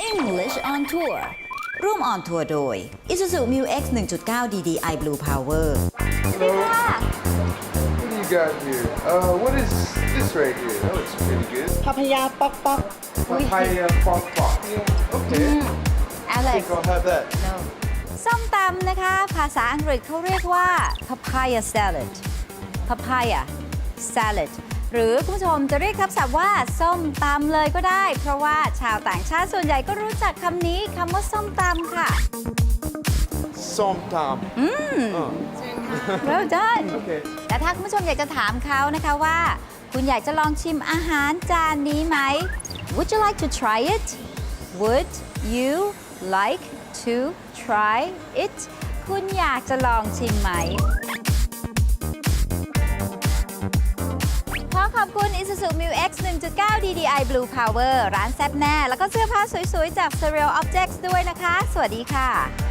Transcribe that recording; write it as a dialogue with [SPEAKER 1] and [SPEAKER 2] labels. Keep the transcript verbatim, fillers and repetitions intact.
[SPEAKER 1] English on Tour ร่วมออนทัวร์โดย Isuzu Mu X หนึ่งจุดเก้า ดี ดี ไอ Blue Power
[SPEAKER 2] Hello. What do you got here? Uh, what is this right here? That looks pretty good.
[SPEAKER 3] พัพยาป๊อกป๊อก
[SPEAKER 2] Papaya pop pop. Okay. I
[SPEAKER 1] Alex
[SPEAKER 2] think I'll have that.
[SPEAKER 1] no ส้มตำนะคะ ภาษาอังกฤษเขาเรียกว่า papaya salad papaya salad หรือคุณผู้ชมจะเรียกทับศัพท์ว่าส้มตำเลยก็ได้ เพราะว่าชาวต่างชาติส่วนใหญ่ก็รู้จักคำนี้คำว่าส้มตำค่ะ
[SPEAKER 2] Somtam.
[SPEAKER 1] อืม
[SPEAKER 2] Uh,
[SPEAKER 1] well done
[SPEAKER 2] okay.
[SPEAKER 1] แต่ถ้าคุณผู้ชมอยากจะถามเขานะคะว่า คุณอยากจะลองชิมอาหารจานนี้ไหม Would you like to try it Would you like to try it คุณอยากจะลองชิมไหมขอขอบคุณ Isuzu Mu X หนึ่งจุดเก้า ดี ดี ไอ Blue Power ร้านแซ่บแน่ แล้วก็เสื้อผ้าสวยๆ จาก Surreal Objects ด้วยนะคะ สวัสดีค่ะ